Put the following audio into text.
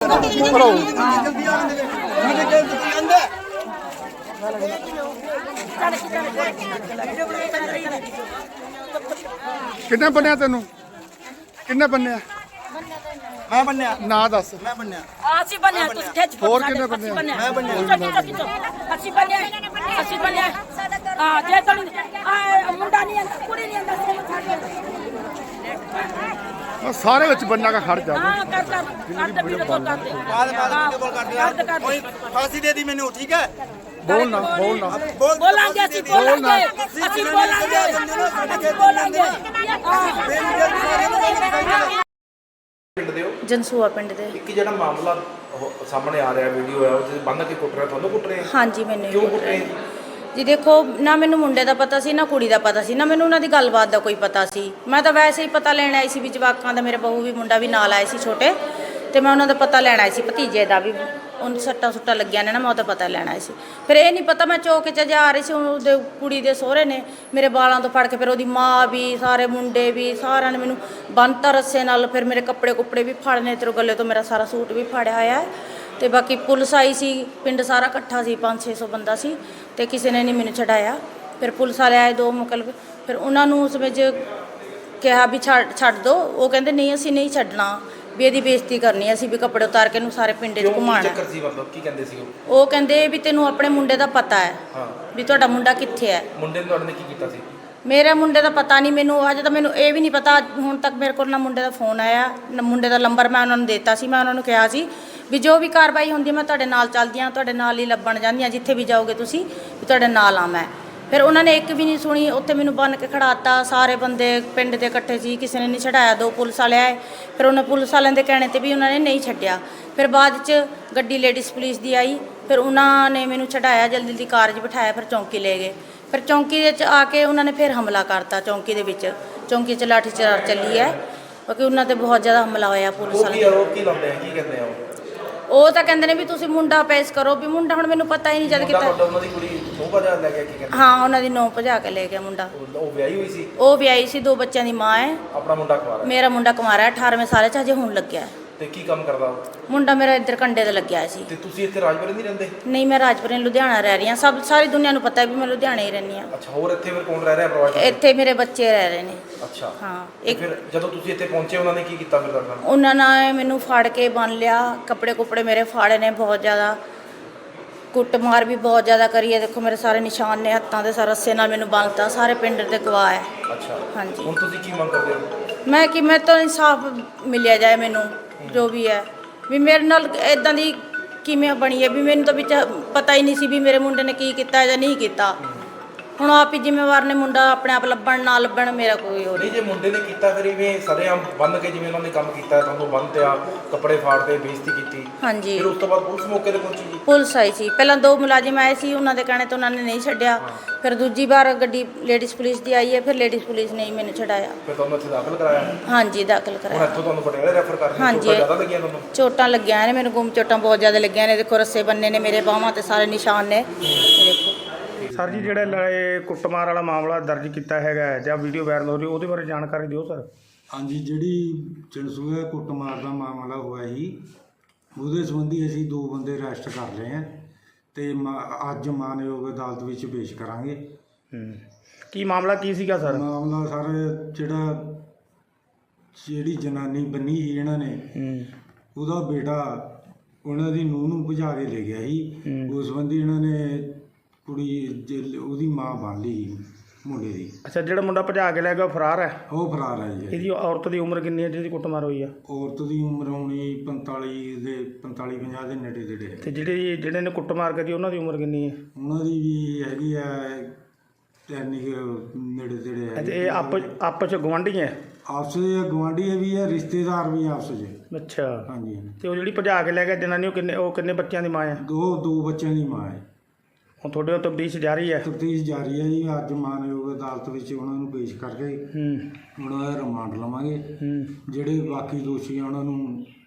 किन्ने बन्या तेनू किन्ने बन्या मैं बन्या ना दस मैं बन्या ਅਸੀਂ ਬਣਿਆ ਤੁਸੀਂ ਖਿੱਚ ਹੋਰ ਕਿੰਨੇ ਬੰਦੇ मैं बन्या ਅਸੀਂ ਬਣਿਆ ਹਾਂ ਜੇ ਤੁਹਾਨੂੰ ਮੁੰਡਾ ਨਹੀਂ ਆਂਦਾ ਕੁੜੀ ਨਹੀਂ ਆਂਦਾ सारे विच बन्ना का खड़ जा ਹਾਂ ਕਰ ਵੀਡੀਓ ਕਾਲ ਕਰਦੇ बाद वीडियो कॉल कर दिया कोई फांसी दे दी मैंने ठीक है बोलना ਬੋਲਾਂਗੇ ਅਸੀਂ ਬੋਲਾਂਗੇ ਪਿੰਡ ਦੇ ਹੋ ਜਨਸੂਆ ਪਿੰਡ ਦੇ ਇੱਕ ਜਿਹੜਾ ਮਾਮਲਾ ਸਾਹਮਣੇ ਆ ਰਿਹਾ ਵੀਡੀਓ ਹੈ ਉਹ ਜਿਹਦੇ ਬੰਨ ਕੇ ਕੁੱਟ ਰਿਹਾ ਤੁਹਾਨੂੰ ਕੁੱਟ ਰਹੇ ਹਾਂਜੀ ਮੈਨੂੰ ਕਿਉਂ ਕੁੱਟ ਰਹੇ ਜੀ ਦੇਖੋ ਨਾ ਮੈਨੂੰ ਮੁੰਡੇ ਦਾ ਪਤਾ ਸੀ ਨਾ ਕੁੜੀ ਦਾ ਪਤਾ ਸੀ ਨਾ ਮੈਨੂੰ ਉਹਨਾਂ ਦੀ ਗੱਲਬਾਤ ਦਾ ਕੋਈ ਪਤਾ ਸੀ ਮੈਂ ਤਾਂ ਵੈਸੇ ਹੀ ਪਤਾ ਲੈਣ ਆਈ ਸੀ ਵੀ ਜਵਾਕਾਂ ਦਾ ਮੇਰੇ ਬਹੂ ਵੀ ਮੁੰਡਾ ਵੀ ਨਾਲ ਆਏ ਸੀ ਛੋਟੇ ਤੇ ਮੈਂ ਉਹਨਾਂ ਦਾ ਪਤਾ ਲੈਣ ਆਈ ਸੀ ਭਤੀਜੇ ਦਾ ਵੀ ਉਹਨੂੰ ਸੱਟਾਂ ਲੱਗੀਆਂ ਨੇ ਨਾ ਮੈਂ ਉਹਦਾ ਪਤਾ ਲੈਣਾ ਸੀ ਫਿਰ ਇਹ ਨਹੀਂ ਪਤਾ ਮੈਂ ਚੌਕ 'ਚ ਜਾ ਰਹੀ ਸੀ ਉਹਦੇ ਕੁੜੀ ਦੇ ਸਹੁਰੇ ਨੇ ਮੇਰੇ ਵਾਲਾਂ ਤੋਂ ਫੜ ਕੇ ਫਿਰ ਉਹਦੀ ਮਾਂ ਵੀ ਸਾਰੇ ਮੁੰਡੇ ਵੀ ਸਾਰਿਆਂ ਨੇ ਮੈਨੂੰ ਬੰਨ੍ਹਤਾ ਰੱਸੇ ਨਾਲ ਫਿਰ ਮੇਰੇ ਕੱਪੜੇ ਵੀ ਫੜਨੇ ਤੇ ਗੱਲੇ ਤੋਂ ਮੇਰਾ ਸਾਰਾ ਸੂਟ ਵੀ ਫੜਿਆ ਹੋਇਆ ਤੇ ਬਾਕੀ ਪੁਲਿਸ ਆਈ ਸੀ ਪਿੰਡ ਸਾਰਾ ਇਕੱਠਾ ਸੀ 500-600 ਬੰਦਾ ਸੀ ਤੇ ਕਿਸੇ ਨੇ ਨਹੀਂ ਮੈਨੂੰ ਛਡਾਇਆ ਫਿਰ ਪੁਲਿਸ ਵਾਲੇ ਆਏ 2 ਮੁਕਲਬ ਫਿਰ ਉਹਨਾਂ ਨੂੰ ਉਸ ਵਿੱਚ ਕਿਹਾ ਵੀ ਛੱਡ ਦਿਓ ਉਹ ਕਹਿੰਦੇ ਨਹੀਂ ਅਸੀਂ ਨਹੀਂ ਛੱਡਣਾ ਵੀ ਇਹਦੀ ਬੇਇੱਜ਼ਤੀ ਕਰਨੀ ਅਸੀਂ ਵੀ ਕੱਪੜੇ ਉਤਾਰ ਕੇ ਇਹਨੂੰ ਸਾਰੇ ਪਿੰਡ 'ਚ ਘੁਮਾਉਣਾ ਚੱਕਰ ਸੀ ਮਤਲਬ ਕੀ ਕਹਿੰਦੇ ਸੀ ਉਹ ਕਹਿੰਦੇ ਵੀ ਤੈਨੂੰ ਆਪਣੇ ਮੁੰਡੇ ਦਾ ਪਤਾ ਹੈ ਹਾਂ ਵੀ ਤੁਹਾਡਾ ਮੁੰਡਾ ਕਿੱਥੇ ਹੈ ਮੁੰਡੇ ਨੇ ਤੁਹਾਡੇ ਨੇ ਕੀ ਕੀਤਾ ਸੀ ਮੇਰੇ ਮੁੰਡੇ ਦਾ ਪਤਾ ਨਹੀਂ ਮੈਨੂੰ ਅਜੇ ਤਾਂ ਮੈਨੂੰ ਇਹ ਵੀ ਨਹੀਂ ਪਤਾ ਹੁਣ ਤੱਕ ਮੇਰੇ ਕੋਲ ਨਾ ਮੁੰਡੇ ਦਾ ਫੋਨ ਆਇਆ ਨਾ ਮੁੰਡੇ ਦਾ ਨੰਬਰ ਮੈਂ ਉਹਨਾਂ ਨੂੰ ਦਿੱਤਾ ਸੀ ਮੈਂ ਉਹਨਾਂ ਨੂੰ ਕਿਹਾ ਸੀ ਵੀ ਜੋ ਵੀ ਕਾਰਵਾਈ ਹੁੰਦੀ ਮੈਂ ਤੁਹਾਡੇ ਨਾਲ ਚੱਲਦੀ ਹਾਂ ਤੁਹਾਡੇ ਨਾਲ ਹੀ ਲੱਭਣ ਜਾਂਦੀ ਹਾਂ ਜਿੱਥੇ ਵੀ ਜਾਓਗੇ ਤੁਸੀਂ ਵੀ ਤੁਹਾਡੇ ਨਾਲ ਆ ਮੈਂ ਫਿਰ ਉਹਨਾਂ ਨੇ ਇੱਕ ਵੀ ਨਹੀਂ ਸੁਣੀ ਉੱਥੇ ਮੈਨੂੰ ਬੰਨ੍ਹ ਕੇ ਖੜਾਤਾ ਸਾਰੇ ਬੰਦੇ ਪਿੰਡ ਦੇ ਇਕੱਠੇ ਸੀ ਕਿਸੇ ਨੇ ਨਹੀਂ ਛਡਾਇਆ 2 ਪੁਲਿਸ ਵਾਲੇ ਆਏ ਫਿਰ ਉਹਨਾਂ ਪੁਲਿਸ ਵਾਲਿਆਂ ਦੇ ਕਹਿਣੇ 'ਤੇ ਵੀ ਉਹਨਾਂ ਨੇ ਨਹੀਂ ਛੱਡਿਆ ਫਿਰ ਬਾਅਦ 'ਚ ਗੱਡੀ ਲੇਡੀਜ਼ ਪੁਲਿਸ ਦੀ ਆਈ ਫਿਰ ਉਹਨਾਂ ਨੇ ਮੈਨੂੰ ਛਡਾਇਆ ਜਲਦੀ ਕਾਰ 'ਚ ਬਿਠਾਇਆ ਫਿਰ ਚੌਂਕੀ ਲੈ ਗਏ ਫਿਰ ਚੌਂਕੀ ਦੇ 'ਚ ਆ ਕੇ ਉਹਨਾਂ ਨੇ ਫਿਰ ਹਮਲਾ ਕਰਤਾ ਚੌਂਕੀ ਦੇ ਵਿੱਚ ਚੌਂਕੀ 'ਚ ਲਾਠੀ ਚਾਰ ਚੱਲੀ ਹੈ ਕਿਉਂਕਿ ਉਹਨਾਂ 'ਤੇ ਬਹੁਤ ਜ਼ਿਆਦਾ ਹਮਲਾ ਹੋਇਆ ਪੁਲਿਸ ਵਾਲਿਆਂ ਉਹ ਕੀ ਲਾਉਂਦੇ ਆ ਕੀ ਕਹਿੰਦੇ ਆ ਉਹ ਤਾਂ ਕਹਿੰਦੇ ਨੇ ਵੀ ਤੁਸੀਂ ਮੁੰਡਾ ਪੇਸ਼ ਕਰੋ ਵੀ ਮੁੰਡਾ ਹੁਣ ਮੈਨੂੰ ਪਤਾ ਹੀ ਨਹੀਂ ਜਦ ਕਿਤਾ ਉਹਨਾਂ ਦੀ ਕੁੜੀ ਨੌ ਵਜਾ ਲੈ ਗਿਆ ਕੀ ਕਹਿੰਦੇ ਹਾਂ ਉਹਨਾਂ ਦੀ 9 ਭਜਾ ਕੇ ਲੈ ਗਿਆ ਮੁੰਡਾ ਉਹ ਵਿਆਹੀ ਹੋਈ ਸੀ ਉਹ ਵਿਆਹੀ ਸੀ 2 ਬੱਚਿਆਂ ਦੀ ਮਾਂ ਹੈ ਆਪਣਾ ਮੁੰਡਾ ਕੁਆਰਾ ਮੇਰਾ ਮੁੰਡਾ ਕੁਮਾਰਾ 18ਵੇਂ ਸਾਲ 'ਚ ਹਜੇ ਹੁਣ ਲੱਗਿਆ ਤੇ ਕੀ ਕੰਮ ਕਰਦਾ ਉਹ ਮੁੰਡਾ ਮੇਰਾ ਇੱਧਰ ਕੰਡੇ ਤੇ ਲੱਗਿਆ ਸੀ ਤੇ ਤੁਸੀਂ ਇੱਥੇ ਰਾਜਪੁਰੇ ਨਹੀਂ ਰਹਿੰਦੇ ਨਹੀਂ ਮੈਂ ਰਾਜਪੁਰੇ ਲੁਧਿਆਣਾ ਰਹਿ ਰਹੀ ਹਾਂ ਸਾਰੀ ਦੁਨੀਆ ਨੂੰ ਪਤਾ ਹੈ ਵੀ ਮੈਂ ਲੁਧਿਆਣੇ ਹੀ ਰਹਿੰਦੀ ਹਾਂ ਅੱਛਾ ਹੋਰ ਇੱਥੇ ਫਿਰ ਕੌਣ ਰਹਿ ਰਿਹਾ ਪਰਿਵਾਰ 'ਚ ਇੱਥੇ ਮੇਰੇ ਬੱਚੇ ਰਹਿ ਰਹੇ ਨੇ ਅੱਛਾ ਹਾਂ ਤੇ ਫਿਰ ਜਦੋਂ ਤੁਸੀਂ ਇੱਥੇ ਪਹੁੰਚੇ ਉਹਨਾਂ ਨੇ ਕੀ ਕੀਤਾ ਫਿਰ ਤੁਹਾਡੇ ਨਾਲ ਉਹਨਾਂ ਨੇ ਮੈਨੂੰ ਫੜ ਕੇ ਬੰਨ ਲਿਆ ਕੱਪੜੇ ਮੇਰੇ ਫਾੜੇ ਨੇ ਬਹੁਤ ਜ਼ਿਆਦਾ ਕੁੱਟਮਾਰ ਵੀ ਬਹੁਤ ਜ਼ਿਆਦਾ ਕਰੀ ਹੈ ਦੇਖੋ ਮੇਰੇ ਸਾਰੇ ਨਿਸ਼ਾਨ ਨੇ ਹੱਥਾਂ ਦੇ ਸਾਰੇ ਰੱਸੇ ਨਾਲ ਮੈਨੂੰ ਬੰਨ੍ਹਤਾ ਸਾਰੇ ਪਿੰਡ ਦੇ ਗਵਾਹ ਹੈ ਅੱਛਾ ਹਾਂਜੀ ਹੁਣ ਤੁਸੀਂ ਕੀ ਮੰਗ ਕਰਦੇ ਹੋ ਮੈਂ ਤਾਂ ਇਨਸਾਫ ਮਿਲਿਆ ਜਾਏ ਮੈਨੂੰ ਜੋ ਵੀ ਹੈ ਵੀ ਮੇਰੇ ਨਾਲ ਇਦਾਂ ਦੀ ਕਿਵੇਂ ਬਣੀ ਹੈ ਵੀ ਮੈਨੂੰ ਤਾਂ ਵਿੱਚ ਪਤਾ ਹੀ ਨਹੀਂ ਸੀ ਵੀ ਮੇਰੇ ਮੁੰਡੇ ਨੇ ਕੀ ਕੀਤਾ ਜਾਂ ਨਹੀਂ ਕੀਤਾ ਹੁਣ ਆਪ ਹੀ ਜ਼ਿੰਮੇਵਾਰ ਨੇ ਮੁੰਡਾ ਆਪਣੇ ਆਪ ਲੱਭਣ ਨਾ ਲੱਭਣ ਮੇਰਾ ਕੋਈ ਹੋਰ ਨਹੀਂ ਜੇ ਮੁੰਡੇ ਨੇ ਕੀਤਾ ਫਿਰ ਇਵੇਂ ਸਰੇਆਮ ਬੰਨ ਕੇ ਜਿਵੇਂ ਉਹਨਾਂ ਨੇ ਕੰਮ ਕੀਤਾ ਤੁਹਾਨੂੰ ਬੰਨ੍ਹਤਿਆ ਕੱਪੜੇ ਫਾੜਦੇ ਬੇਇੱਜ਼ਤੀ ਕੀਤੀ ਹਾਂਜੀ ਫਿਰ ਉਸ ਤੋਂ ਬਾਅਦ ਪੁਲਿਸ ਮੌਕੇ ਤੇ ਪਹੁੰਚੀ ਜੀ ਪੁਲਿਸ ਆਈ ਸੀ ਪਹਿਲਾਂ 2 ਮੁਲਾਜ਼ਮ ਆਏ ਸੀ ਉਹਨਾਂ ਦੇ ਕਹਿਣੇ ਤੋਂ ਉਹਨਾਂ ਨੇ ਨਹੀਂ ਛੱਡਿਆ ਫਿਰ ਦੂਜੀ ਵਾਰ ਗੱਡੀ ਲੇਡੀਜ਼ ਪੁਲਿਸ ਦੀ ਆਈ ਹੈ ਫਿਰ ਲੇਡੀਜ਼ ਪੁਲਿਸ ਨੇ ਹੀ ਮੈਨੂੰ ਛਡਾਇਆ ਫਿਰ ਤੁਹਾਨੂੰ ਇੱਥੇ ਦਾਖਲ ਕਰਾਇਆ ਹਾਂਜੀ ਦਾਖਲ ਹੁਣ ਕਰਾਇਆ ਇੱਥੋਂ ਤੁਹਾਨੂੰ ਪਟਿਆਲਾ ਰੈਫਰ ਕਰ ਰਹੇ ਹਾਂਜੀ। ਜ਼ਿਆਦਾ ਲੱਗੀਆਂ ਤੁਹਾਨੂੰ ਚੋਟਾਂ ਲੱਗੀਆਂ ਨੇ ਮੈਨੂੰ ਗੁੰਮ ਚੋਟਾਂ ਬਹੁਤ ਜ਼ਿਆਦਾ ਲੱਗੀਆਂ ਨੇ ਦੇਖੋ ਰੱਸੇ ਬੰਨੇ ਨੇ ਮੇਰੇ ਬਾਹਾਂ ਤੇ ਸਾਰੇ ਨਿਸ਼ਾਨ ਨੇ ਦੇਖੋ ਸਰ ਜੀ ਜਿਹੜਾ ਇਹ ਕੁੱਟਮਾਰ ਵਾਲਾ ਮਾਮਲਾ ਦਰਜ ਕੀਤਾ ਹੈਗਾ ਜਾਂ ਵੀਡੀਓ ਵਾਇਰਲ ਹੋ ਰਹੀ ਉਹਦੇ ਬਾਰੇ ਜਾਣਕਾਰੀ ਦਿਓ ਸਰ ਹਾਂਜੀ ਜਿਹੜੀ ਜਨਸੂਆ ਕੁੱਟਮਾਰ ਦਾ ਮਾਮਲਾ ਹੋਇਆ ਸੀ ਉਹਦੇ ਸੰਬੰਧੀ ਅਸੀਂ 2 ਬੰਦੇ ਅਰੈਸਟ ਕਰ ਲਏ ਆ ਤੇ ਅੱਜ ਮਾਨਯੋਗ ਅਦਾਲਤ ਵਿੱਚ ਪੇਸ਼ ਕਰਾਂਗੇ ਕੀ ਮਾਮਲਾ ਕੀ ਸੀਗਾ ਸਰ ਮਾਮਲਾ ਸਰ ਜਿਹੜੀ ਜਨਾਨੀ ਬੰਨੀ ਸੀ ਇਹਨਾਂ ਨੇ ਉਹਦਾ ਬੇਟਾ ਉਹਨਾਂ ਦੀ ਨੂੰਹ ਨੂੰ ਭਜਾ ਕੇ ਲੈ ਗਿਆ ਸੀ ਉਸ ਸੰਬੰਧੀ ਇਹਨਾਂ ਨੇ ਕੁੜੀ ਉਹਦੀ ਮਾਂ ਬੰਨ ਲਈ ਮੁੰਡੇ ਦੀ ਅੱਛਾ ਜਿਹੜਾ ਮੁੰਡਾ ਭਜਾ ਕੇ ਲੈ ਗਿਆ ਉਹ ਫਰਾਰ ਹੈ ਉਹ ਫਰਾਰ ਹੈ ਜੀ ਇਹਦੀ ਔਰਤ ਦੀ ਉਮਰ ਕਿੰਨੀ ਹੈ ਜਿਹਦੀ ਕੁੱਟਮਾਰ ਹੋਈ ਆ ਔਰਤ ਦੀ ਉਮਰ ਹੋਣੀ 45 50 ਦੇ ਨੇੜੇ ਤੇ ਜਿਹੜੇ ਨੇ ਕੁੱਟਮਾਰ ਕਰੀ ਉਹਨਾਂ ਦੀ ਉਮਰ ਕਿੰਨੀ ਹੈ ਉਹਨਾਂ ਦੀ ਵੀ ਹੈਗੀ ਆ ਨੇੜੇ ਤੇੜੇ ਹੈ ਤੇ ਇਹ ਆਪਸ ਚ ਗੁਆਂਢੀ ਹੈ ਆਪਸ ਦੇ ਗੁਆਂਢੀ ਵੀ ਹੈ ਰਿਸ਼ਤੇਦਾਰ ਵੀ ਆਪਸ 'ਚ ਅੱਛਾ ਹਾਂਜੀ ਤੇ ਉਹ ਜਿਹੜੀ ਭਜਾ ਕੇ ਲੈ ਗਿਆ ਜਨਾਨੀ ਉਹ ਕਿੰਨੇ ਬੱਚਿਆਂ ਦੀ ਮਾਂ ਹੈ 2 ਬੱਚਿਆਂ ਦੀ ਮਾਂ ਹੈ ਹੁਣ ਤੁਹਾਡੇ ਉਹ ਤਬਦੀਸ਼ ਜਾਰੀ ਹੈ ਤਫਤੀਸ਼ ਜਾਰੀ ਹੈ ਜੀ ਅੱਜ ਮਾਨਯੋਗ ਅਦਾਲਤ ਵਿੱਚ ਉਹਨਾਂ ਨੂੰ ਪੇਸ਼ ਕਰਕੇ ਉਹਨਾਂ ਦਾ ਰਿਮਾਂਡ ਲਵਾਂਗੇ ਜਿਹੜੇ ਬਾਕੀ ਦੋਸ਼ੀ ਆ ਉਹਨਾਂ ਨੂੰ